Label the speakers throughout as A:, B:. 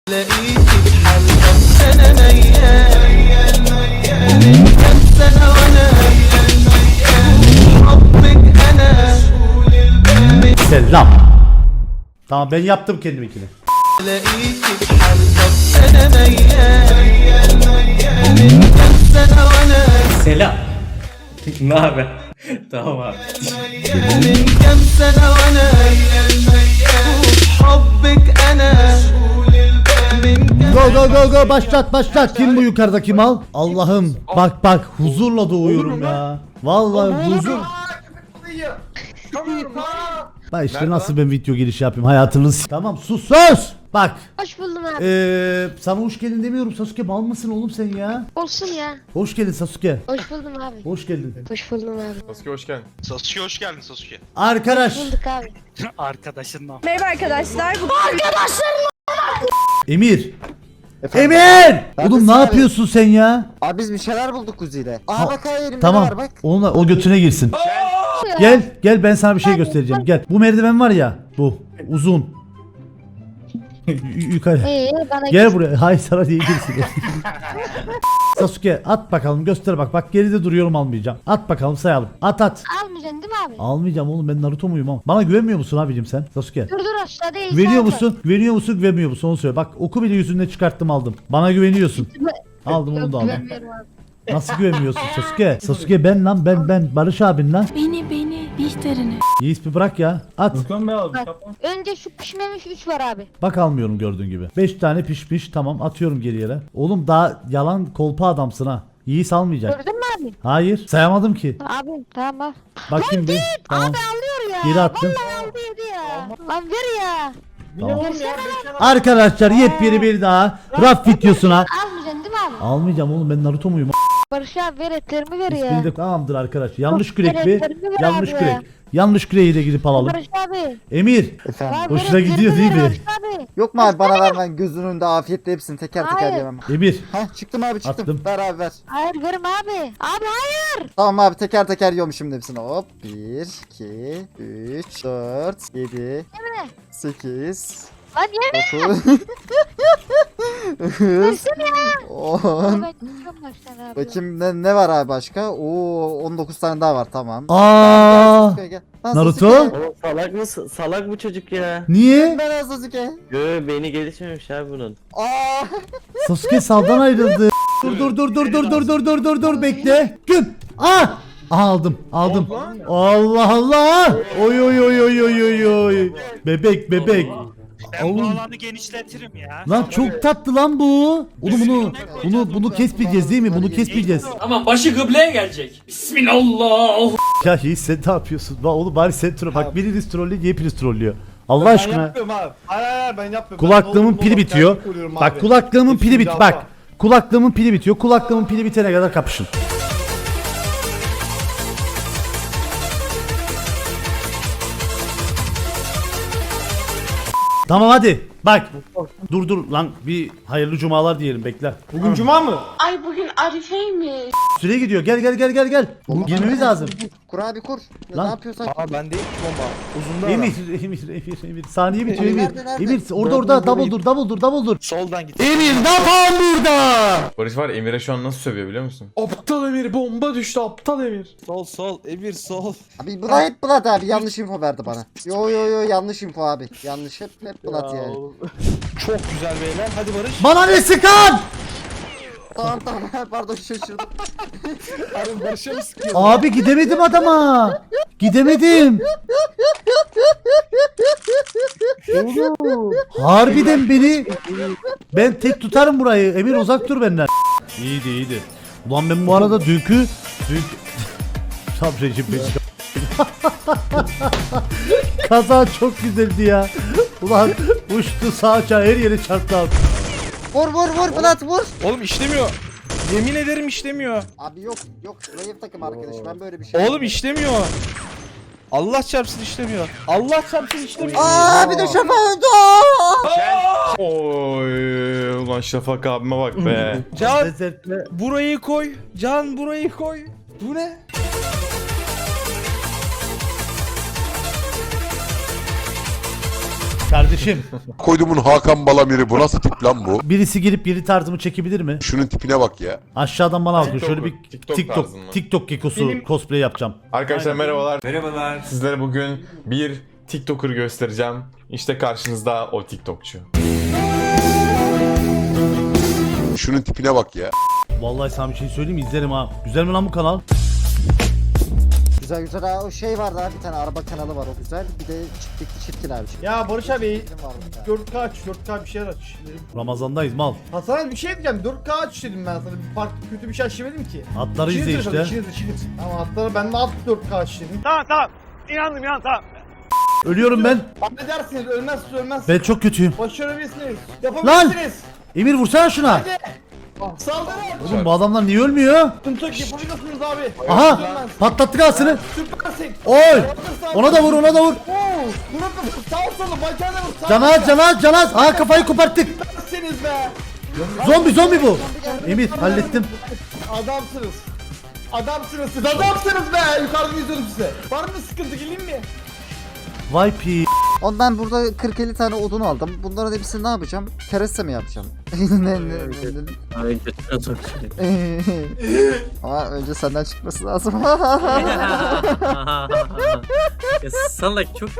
A: Selam. Tamam ben yaptım kendiminkini.
B: Selam. Ne haber? Tamam abi.
A: Go go go go başlat. Kim bu yukarıdaki mal? Allah'ım bak huzurla doğuyorum ya. Vallahi huzur. Bak işte nasıl ben video girişi yapayım hayatınız. Tamam sus. Bak.
C: Hoş buldum abi.
A: Sana hoş geldin demiyorum Sasuke, mal mısın oğlum sen ya?
C: Olsun ya.
A: Hoş geldin Sasuke.
C: Hoş buldum abi.
A: Hoş geldin.
C: Hoş buldum abi.
D: Sasuke hoş geldin.
E: Sasuke hoş geldin Sasuke.
A: Arkadaş.
C: Bulduk abi.
B: Arkadaşınla.
F: Merhaba arkadaşlar.
A: Emir.
G: Efendim?
A: Emir! Oğlum
G: Neredesin
A: ne
G: abi?
A: yapıyorsun sen ya?
G: Abi biz bir şeyler bulduk kuziyle.
A: Ha,
G: Aa bak elimde
A: Tamam.
G: var bak.
A: Onunla, o götüne girsin. Gel ben sana bir şey göstereceğim. Gel. Bu merdiven var ya. Bu. Uzun. Yukarı.
C: Bana
A: Gel buraya. Hayır sana diye girsin. Sasuke at bakalım, göster bak. Bak geride duruyorum, almayacağım. At bakalım, sayalım. At.
C: almayacaksın değil mi abi?
A: Almayacağım oğlum, ben Naruto muyum ama. Bana güvenmiyor musun abicim sen Sasuke?
C: Dur aşağıda ejder
A: Güveniyor
C: var.
A: musun? Güvenmiyor musun? Onu söyle. Bak oku bile yüzünden çıkarttım, aldım. Bana güveniyorsun. Aldım onu da aldım.
C: Güvenmiyorum abi.
A: Nasıl güvenmiyorsun Sasuke? Sasuke ben lan, ben Barış abin lan.
F: Beni Bihter'ini.
A: Yiğit bir bırak ya. At.
C: Bak, önce şu pişmemiş 3 var abi.
A: Bak almıyorum gördüğün gibi. 5 tane pişmiş, tamam atıyorum geri yere. Oğlum daha yalan kolpa adamsın ha. Yiğit almayacak.
C: Gördün mü abi?
A: Hayır sayamadım ki.
C: Abi tamam al.
A: Bakayım bir. Tamam.
C: Abi alıyor ya.
A: Geri attım.
C: Vallahi aldı yedi ya. Lan ver ya.
A: Tamam.
C: Versene lan.
A: Arkadaşlar yepyeni bir daha raf videosuna.
C: Almayacaksın değil mi abi?
A: Almayacağım oğlum, ben Naruto muyum?
C: Barış abi ver etlerimi ver
A: İsmini
C: ya.
A: de tamamdır arkadaş. Yanlış
C: Çok
A: kürek bir.
C: gereklerini ver
A: Yanlış
C: abi
A: kürek.
C: ya.
A: Yanlış küreği de gidip alalım.
C: Barış abi.
A: Emir.
G: Efendim.
C: Abi,
A: Hoşuna
C: ver
A: gidiyor
C: etlerimi
A: değil
C: ver
A: mi?
C: Barış abi.
G: Yok mu abi bana ver, ben gözünün önünde afiyetle hepsini teker teker
C: Hayır.
G: yemem.
A: Emir.
G: Hah çıktım abi çıktım.
A: Attım.
G: Ver abi ver.
C: Hayır verim abi. Abi hayır.
G: Tamam abi teker teker yiyorum şimdi hepsini. Hop 1, 2, 3, 4, 7,
C: Yeme.
G: 8,
C: Lan yeme.
G: 9, 9,
C: Versene ya.
G: 10.
C: Ben çıkıyorum baştan abi.
G: Bakayım ne var abi başka? Oo 19 tane daha var tamam.
A: Aa.
G: Sasuke gel. Lan
A: Naruto?
G: Sasuke.
B: Oğlum salak mısın? Salak bu çocuk ya.
A: Niye?
G: Ben Sasuke.
B: Beyni gelişmemiş abi bunun.
G: Aa.
A: Sasuke saldan ayrıldı. Dur bekle. Güm. Aa! Aldım. Allah Allah. Oy. Bebek.
H: Ben bu
A: Oğlum.
H: alanı genişletirim ya.
A: Lan çok tatlı lan bu. Oğlum bunu kesmeyeceğiz değil mi? Bunu kesmeyeceğiz.
I: Ama başı kıbleye gelecek. Bismillah.
A: Ya Yiğit sen ne yapıyorsun? Oğlum bari sen troll. Bak biriniz trollüyor, hepiniz trollüyor. Allah aşkına.
D: Ben yapmıyorum abi. Hayır ben yapmıyorum.
A: Kulaklığımın pili bitiyor. Bak kulaklığımın pili bit. Bak. Kulaklığımın pili bitiyor. Kulaklığımın pili bitene kadar kapışın. Tamam hadi. Bak. Dur lan, bir hayırlı cumalar diyelim, bekle.
D: Bugün cuma mı?
F: Ay bugün Arife'ymiş.
A: Süre gidiyor. Gel. Girmemiz lazım.
G: Kur abi kur.
A: Lan.
G: Ne yapıyorsan.
D: Aa ben değil ki bomba. Uzunda
A: Emir. Saniye bitiyor Emir.
G: Nerede?
A: Emir orada double dur.
D: Soldan git.
A: Emir ne yapalım burada?
J: Barış var, Emir'e şu an nasıl sövüyor biliyor musun?
D: Aptal Emir, bomba düştü aptal Emir. Sol Emir sol.
G: Abi Bulat hep Bulat abi yanlış info verdi bana. Yo yanlış info abi. Yanlış hep Bulat yani.
D: Çok güzel beyler, hadi Barış.
A: Bana ne sıkan?
G: Tamam pardon şaşırdım.
D: Harun Barış'a mı sıkıyor?
A: Abi gidemedim adama. Gidemedim. Harbiden beni. Ben tek tutarım burayı. Emir uzak dur benden. İyiydi. Ulan ben bu arada dünkü Sabreciğim beni. Kaza çok güzeldi ya. Ulan uçtu sağa her yere çarptı abi.
G: Vur Bulat vur.
D: Oğlum işlemiyor. Yemin ederim işlemiyor.
G: Abi yok zayıf takım arkadaş ben böyle bir şey.
D: Oğlum işlemiyor. Allah çarpsın işlemiyor. Allah çarpsın işlemiyor.
G: Aa bir de şafa öldü.
J: Oy ulan Şafak abime bak be.
D: Can
A: Lezzetli.
D: burayı koy. Can burayı koy. Bu ne?
A: Kardeşim
E: Koydumun Hakan Balamir'i bu nasıl tip lan bu?
A: birisi girip yeni tarzımı çekebilir mi?
E: Şunun tipine bak ya.
A: Aşağıdan bana bakın şöyle bir
J: TikTok tarzın mı?
A: TikTok gekosu cosplay yapacağım.
J: Arkadaşlar merhabalar. Merhabalar. Sizlere bugün bir TikToker göstereceğim. İşte karşınızda o TikTokçu.
E: Şunun tipine bak ya.
A: Vallahi sana bir şey söyleyeyim mi? İzlerim ha. Güzel mi lan bu kanal?
G: Güzel güzel ha, o şey vardı abi, bir tane araba kanalı var, o güzel. Bir de çirkin abi.
K: Ya Barış abi
G: Çirkin var bir tane.
K: 4K aç, 4K bir şeyler aç dedim.
A: Ramazandayız mal.
K: Hasan bir şey diyeceğim, 4K aç dedim ben sana. Bir farklı kötü bir şey aç demedim ki.
A: Atları izle
K: İçiniz
A: işte.
K: yaşadı, içiniz. Tamam atları ben de at 4K aç dedim. Tamam. İnandım tamam.
A: Ölüyorum ben.
K: Affedersiniz, ölmezsiniz.
A: Ben çok kötüyüm.
K: Başarabilirsiniz. Yapabilirsiniz.
A: Emir vursana şuna.
K: Saldırın.
A: Oğlum bu adamlar niye ölmüyor?
K: Sıkıntı yok, yapabilirsiniz abi.
A: Aha! Patlattık ağasını.
K: Süpersin.
A: Oy! Ona da vur, ona da vur.
K: Vurup sağ solu bacağına vur.
A: Canaz. Aha kafayı koparttık.
K: Süpersiniz be.
A: Zombi bu. Emir hallettim.
K: Adamsınız siz, adamsınız be. Yukarıdan izliyorum size. Var mı sıkıntı, geleyim mi?
A: Vay pi.
G: Oğlum ben burada 40-50 tane odun aldım. Bunların hepsini ne yapacağım? Kereste mi yapacağım?
B: Ay götüne sokayım.
G: Ama önce senden çıkması lazım.
B: Ya salak çok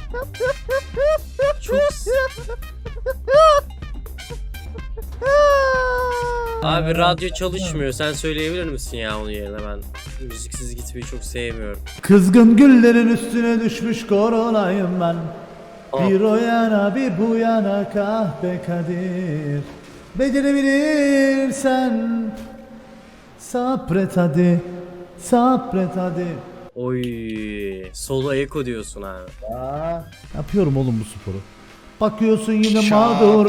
B: Abi radyo çalışmıyor. Sen söyleyebilir misin ya onun yerine? Ben müziksiz gitmeyi çok sevmiyorum.
A: Kızgın güllerin üstüne düşmüş koronayım ben. Bir o yana bir bu yana kahpe kadir. Becerebilirsen sabret hadi. Sabret hadi.
B: Oy, solo eko diyorsun abi.
A: Yapıyorum oğlum bu sporu. Bakıyorsun yine mağdur.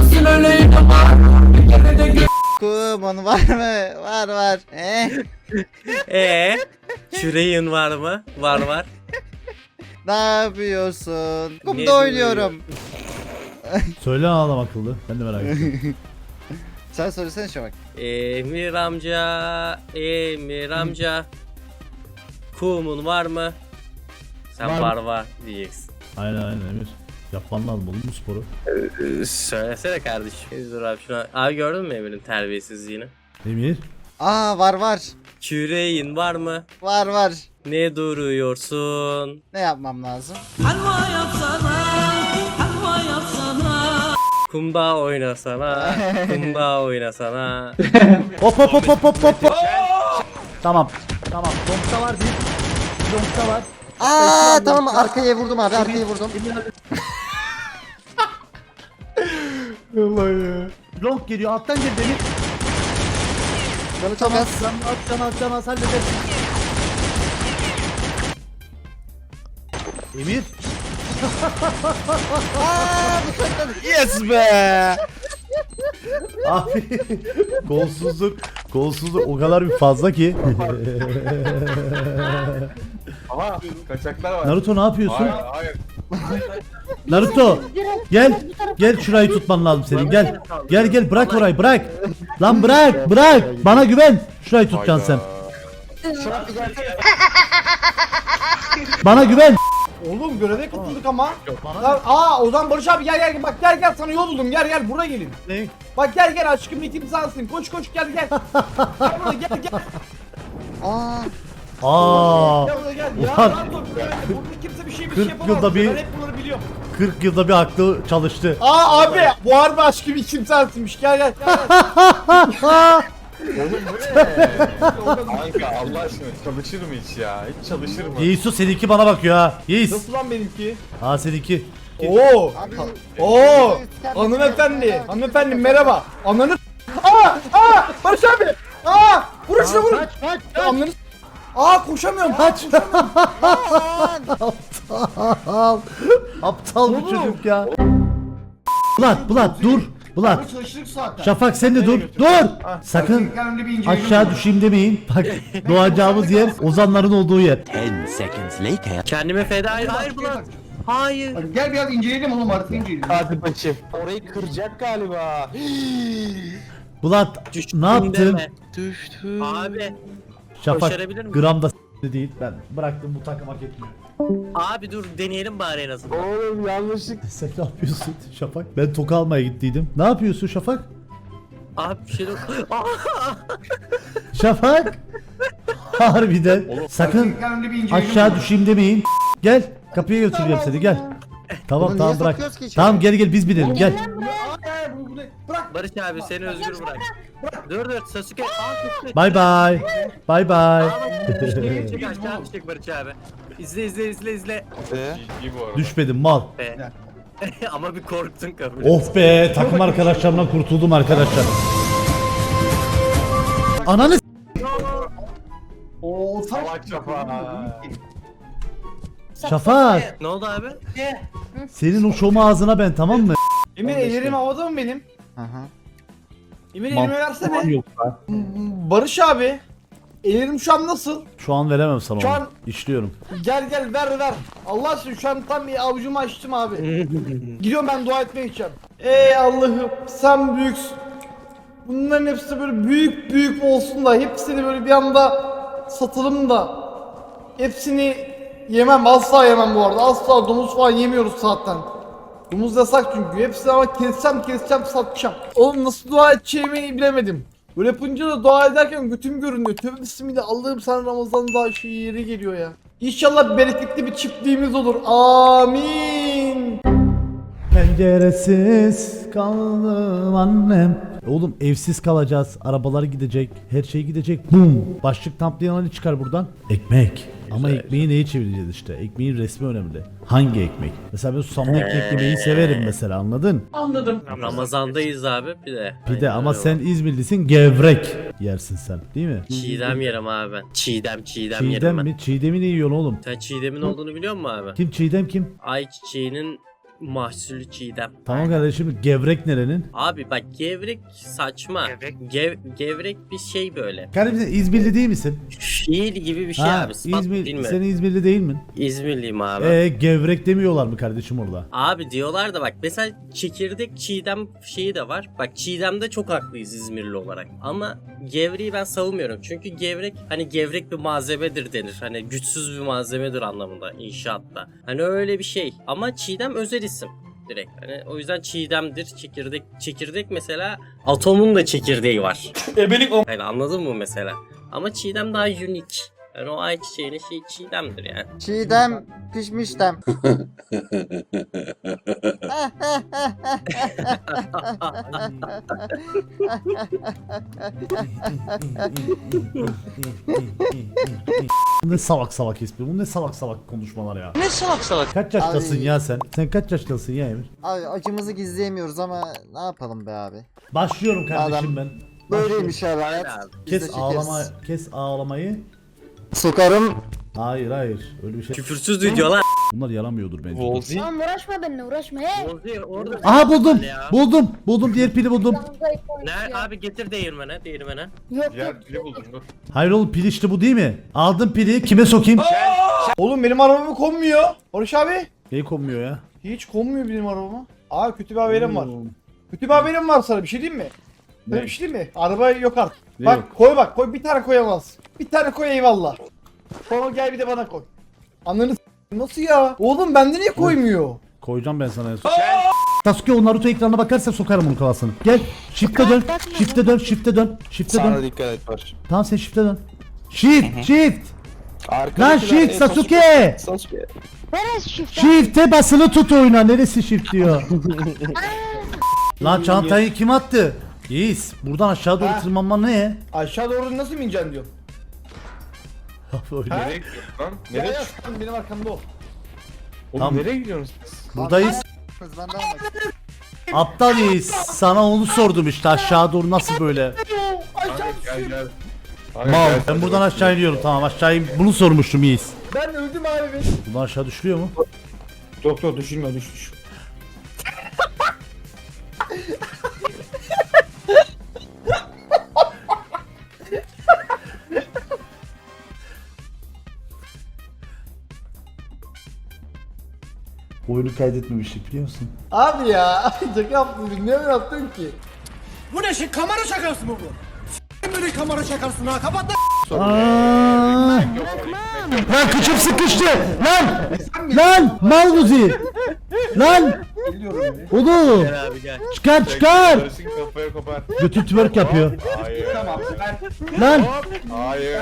G: Kuman var mı? Var.
B: Küreğin var mı? Var.
G: Ne yapıyorsun?
B: Ne
G: Kumda oynuyorum.
A: Söyle ağlam akıllı. Ben de merak ettim.
G: Sen söylesene şu bak.
B: Emir amca. Kumun var mı? Sen var diyeceksin.
A: Aynen Emir. Yapman lazım oğlum bu sporu.
B: Söylesene kardeşim. Dur abi şuna. Abi gördün mü Emir'in terbiyesizliğini?
A: Emir.
G: Aa var.
B: Küreğin var mı?
G: Var.
B: Ne duruyorsun?
G: Ne yapmam lazım?
B: Kumda oynasana.
A: Hop. Tamam. Donkta var bir. Donkta var.
G: Aa tamam, arkaya vurdum abi, arkaya vurdum.
A: Long geliyor. Alttan gel beni.
G: Canı çok az.
A: Can az halledersin. Emir.
D: Yes be.
A: Abi golsuzluk o kadar bir fazla ki.
J: Aha kaçaklar var.
A: Naruto ne yapıyorsun?
J: Hayır.
A: Naruto gel şurayı tutman lazım senin. Gel bırak orayı, bırak. Lan bırak. Bana güven. Şurayı tutacaksın sen. Bana güven.
K: Oğlum göreve katıldık ama. O zaman Barış abi gel bak gel sana yol buldum, gel buraya gelin.
A: Ne?
K: Bak gel aşkım bir timsahsın, koş gel. Gel buraya gel.
A: Aa.
K: Gel buraya gel. Ya
A: Ulan.
K: rahat ol, burada kimse bir şey
A: 40
K: yapamaz.
A: yılda bir-
K: Ben hep bunları biliyorum.
A: 40 yılda bir aklı çalıştı.
K: Abi bu harbi aşkım bir timsahsınmış, gel.
J: Kanka Allah aşkına çalışır mı hiç ya? Hiç çalışır mı?
A: Yiğisu seninki bana bakıyor ha. Yiğis.
K: Nasıl lan benimki?
A: Ha seninki.
K: Oo.
G: Abi.
K: Hanımefendi merhaba. Ananı. Barış abi. Vur şuna vur.
A: Kaç.
K: Ananı. Koşamıyorum.
A: Kaç. Aptal bir çocuk ya. Bulat dur. Bulat.
K: Çalıştık zaten.
A: Şafak sen de dur. Sakın aşağı düşeyim demeyin. Bak doğacağımız yer ozanların olduğu yer.
B: Kendime feda et. Hayır Bulat. Hayır.
K: Gel biraz inceleyelim oğlum, artık inceleyelim.
D: Hadi bakayım. Orayı kıracak galiba.
A: Bulat
B: Düştüm
A: ne yaptın?
B: deme.
D: Düştü.
B: Abi.
A: Şafak
B: Başarabilir miyim?
A: gramda değil. Ben bıraktım, bu takım hak etmiyor.
B: Abi dur deneyelim bari en azından.
K: Oğlum yanlışlık.
A: Sen ne yapıyorsun Şafak? Ben toka almaya gittiydim. Ne yapıyorsun Şafak?
B: Abi bir şey yok.
A: Şafak! Harbiden. Sakın aşağı düşeyim demeyin. Gel. Kapıya götüreceğim seni gel. Tamam
G: Bunu
A: tamam
G: niye
A: bırak.
G: sokuyoruz ki içeri?
A: Tamam gel biz binelim gel.
K: Bırak.
B: Barış abi seni özgür bırak. Dur Sasuke. Sasuke.
A: Bay bay. Bay bay.
B: Çık aşağı düşecek Barış abi. İzle.
J: İyi bu arada.
A: Düşmedim mal.
B: Be. Ama bir korktun kabul.
A: Of be takım arkadaşlarımdan kurtuldum arkadaşlar. Ananı s-
K: Oo
J: Salak Şafak.
A: Şafak.
B: Ne oldu abi?
A: Senin o şomu ağzına ben tamam mı?
K: Emir ellerim havada mı benim?
G: Hı hı.
K: Emir elimi versene. Barış abi. Ellerim şu an nasıl?
A: Şu an veremem sana
K: Şu
A: onu.
K: an-
A: İşliyorum.
K: Gel ver. Allah aşkına şu an tam bir avucumu açtım abi. Gidiyorum ben dua etmeye gideceğim. Ey Allah'ım sen büyüksün. Bunların hepsi böyle büyük olsun da hepsini böyle bir anda satalım da hepsini yemem, asla yemem bu arada. Asla domuz falan yemiyoruz zaten. Domuz yasak çünkü. Hepsini ama keseceğim satacağım. Oğlum nasıl dua edeceğimi bilemedim. Böyle yapınca da dua ederken götüm görünüyor. Tövbe bismillah, Allah'ım sen Ramazan daha yeri geliyor ya. İnşallah bereketli bir çiftliğimiz olur. Amin.
A: Penceresiz kaldım annem. Oğlum evsiz kalacağız. Arabalar gidecek. Her şey gidecek. Bum. Başlık tamplayan Ali çıkar buradan. Ekmek. Ama ekmeği neye çevireceğiz işte? Ekmeğin resmi önemli. Hangi ekmek? Mesela ben susamlı ekmek yemeyi severim mesela anladın?
I: Anladım.
B: Ramazandayız abi bir de.
A: Bir de
B: Aynen
A: ama
B: öyle.
A: sen İzmirlisin gevrek yersin sen değil mi?
B: Çiğdem yerim abi ben. Çiğdem
A: Çiğdem
B: yerim ben.
A: mi? Çiğdem'i ne yiyorsun oğlum?
B: Sen çiğdemin olduğunu biliyor musun abi?
A: Kim Çiğdem kim?
B: Ayçiçeğinin mahsulü çiğdem.
A: Tamam kardeşim gevrek nerenin?
B: Abi bak gevrek saçma. Gevrek bir şey böyle.
A: Kardeşim sen İzmirli değil misin?
B: Fiil gibi bir şey
A: Ha,
B: abi. Sıfat değil
A: İzmir,
B: mi?
A: sen İzmirli değil mi?
B: İzmirliyim abi.
A: Gevrek demiyorlar mı kardeşim orada?
B: Abi diyorlar da bak mesela çekirdek çiğdem şeyi de var. Bak çiğdemde çok haklıyız İzmirli olarak. Ama gevreği ben savunmuyorum. Çünkü gevrek hani gevrek bir malzemedir denir. Hani güçsüz bir malzemedir anlamında inşaatta. Hani öyle bir şey. Ama çiğdem özel isim direkt. Hani o yüzden çiğdemdir. Çekirdek mesela atomun da çekirdeği var. Yani anladın mı mesela? Ama çiğdem daha unique. Yani o ayçiçeğinin şey çiğdemdir yani.
G: Çiğdem pişmiştem.
A: Bu ne salak espri, bu ne salak konuşmalar ya. Ne salak? Kaç yaştasın
G: Abi.
A: ya sen? Sen kaç yaştasın ya Emir?
G: Abi acımızı gizleyemiyoruz ama ne yapalım be abi.
A: Başlıyorum kardeşim
G: Adam-
A: ben.
G: Böyleymiş abi hayat. Biz de
A: Kes
G: çekeriz.
A: kes ağlamayı.
G: Sokarım.
A: Hayır öyle bir şey.
B: Küfürsüz video lan.
A: Bunlar yaramıyordur bence.
D: Volzi.
C: Tamam uğraşma benimle uğraşma he.
B: Ozi orada.
A: Aha buldum.
B: Ya.
A: Buldum diğer pili buldum.
B: Ne abi getir değirmene.
C: Yok
J: Diğer pili buldum dur.
A: Hayır oğlum pil işte bu değil mi? Aldım pili kime sokayım?
K: Oğlum benim arabamı konmuyor. Barış abi.
A: Neyi konmuyor ya?
K: Hiç konmuyor benim arabama. Abi kötü bir haberim var. Kötü bir haberim var sana, bir şey diyeyim mi? Böyle bir şey diyeyim mi? Araba yok artık.
A: Ne
K: Bak
A: yok?
K: koy bir tane koyamaz. Bir tane koy eyvallah. Sonra gel bir de bana koy. Ananı s- nasıl ya? Oğlum bende niye koymuyor?
A: Koyacağım ben sana en son. Sasuke o Naruto ekranına bakarsa sokarım onun kafasını. Gel. Shift'e dön. Shift'e dön.
D: Dikkat et Barış.
A: Tamam sen shift'e dön. Shift. Lan
D: Arkadakiler
A: shift
D: en
A: Sasuke.
D: Sasuke.
C: neresi şifre?
A: Shift'e basılı tut oyuna. Neresi shift diyor. Lan çantayı kim attı? Yiğiz. Buradan aşağı doğru
K: Ha.
A: tırmanman ne?
K: Aşağı doğru nasıl mi ineceksin diyor.
A: Böyle.
J: Nereye gidiyorsun lan?
K: Ya
J: Nereye
K: ya
J: çık-
K: sen benim arkamda ol.
J: Oğlum
A: Tamam.
J: nereye gidiyorsunuz siz?
A: Buradayız.
G: Ben de almak.
A: Aptal Yiğiz. Sana onu sordum işte aşağı doğru nasıl böyle.
J: Gel.
A: Mal. Ben buradan aşağı iniyorum tamam aşağı bunu sormuştum Yiğiz.
K: Ben öldüm abi ben.
A: Buradan aşağı düşülüyor mu?
K: Doktor düşürme düş.
A: Oyunu kaydetmemiştik biliyor musun?
K: Abi ya şaka yaptın, ne yaptın ki?
I: Bu ne şey kamera şakası mı bu?
A: Aa! Lan kıçım sıkıştı. Lan mal buzi. Lan. Oğlum. Çıkar.
J: Karışık kafaya kopar.
A: Götü twerk yapıyor.
J: Hayır.
A: Lan.
J: Hayır.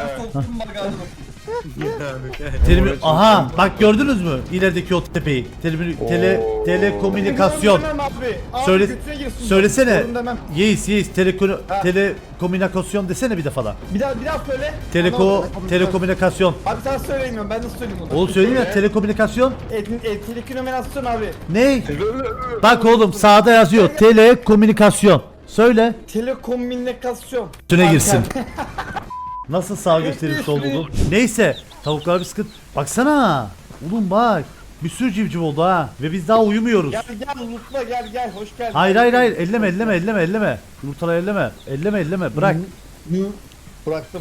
A: Terimi, aha bak gördünüz mü ilerideki o tepeyi? Telekomünikasyon. Söyle, söylesene. Yeis telekomünikasyon desene bir defa da.
K: Bir daha söyle.
A: Telekomünikasyon.
K: Abi sen söyleyemiyorum ben nasıl söyleyeyim onu?
A: Oğlum söyleyeyim ya telekomünikasyon.
K: Telekomünikasyon abi.
A: Ne? Bak oğlum sağda yazıyor telekomünikasyon. Söyle.
K: Telekomünikasyon.
A: Üstüne girsin. Nasıl sağ gösterip sol buldun? Neyse tavuklar bir sıkıntı. Baksana. Oğlum bak. Bir sürü civciv oldu ha. Ve biz daha uyumuyoruz.
K: Gel Lutla gel hoş geldin.
A: Hayır. Elleme. Yumurtaları elleme. Bırak.
K: Bıraktım.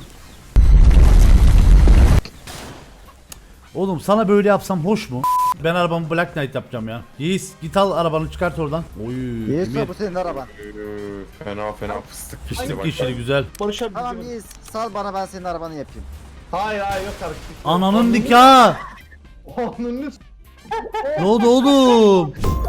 A: Oğlum sana böyle yapsam hoş mu? Ben arabamı Black Knight yapacağım ya. Yiğis git al arabanı çıkart oradan. Oy.
G: Yiğit
A: Emir.
G: bu senin araban.
J: Fena fıstık pişti
A: Fıstık
J: bak.
A: yeşili güzel.
K: Barış abi.
G: Tamam Yiğit sal bana ben senin arabanı yapayım.
K: Hayır yok artık.
A: Ananın nikahı.
K: Ananı
A: Ne oldu oğlum?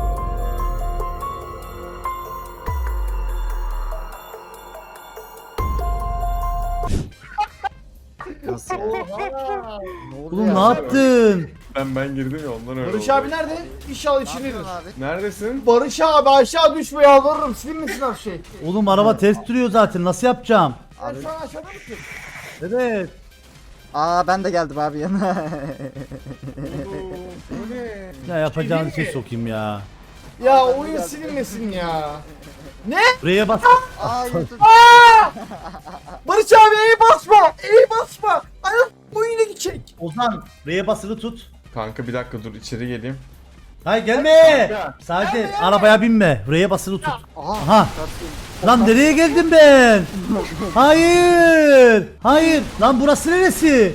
G: Nasıl ya?
K: Oha.
G: Ne oldu
A: Oğlum
G: ya?
A: ne yaptın?
J: Ben girdim ya ondan öyle
K: Barış
J: oldu.
K: abi nerede? İnşallah
G: Ne
K: içindedir.
G: yapıyorsun abi?
J: Neredesin?
K: Barış abi aşağı düşme yalvarırım. Silinmesin her şey.
A: Oğlum araba ters duruyor zaten nasıl yapacağım?
K: Sen
G: Abi-
K: şu an aşağıda mısın?
A: Evet.
G: Aa ben de geldim abi yanına.
A: Ya yapacağın şey sokayım ya.
K: Ya oyun silinmesin ya.
A: Buraya bas.
G: Aa YouTube.
K: Barış abi iyi basma. Aynen oyuna gidecek.
A: Ozan R'ye basılı tut.
J: Kanka bir dakika dur içeri geleyim.
A: Hayır gelme. Sadece arabaya binme. R'ye basılı tut. Aha. Lan nereye geldim ben? Hayır. Lan burası neresi?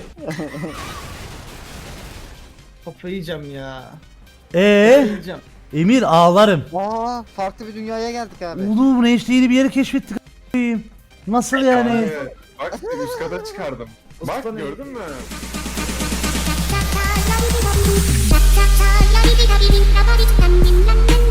K: Kafayı yiyeceğim ya.
A: Yiyeceğim. Emir ağlarım.
G: Aa farklı bir dünyaya geldik abi.
A: Oğlum ne işte yeni bir yeri keşfettik. a**ayım. Nasıl yani?
J: Hayır. Bak üst kata çıkardım. Bak gördün mü?
F: La la la la la la la la la la la la la la la la la la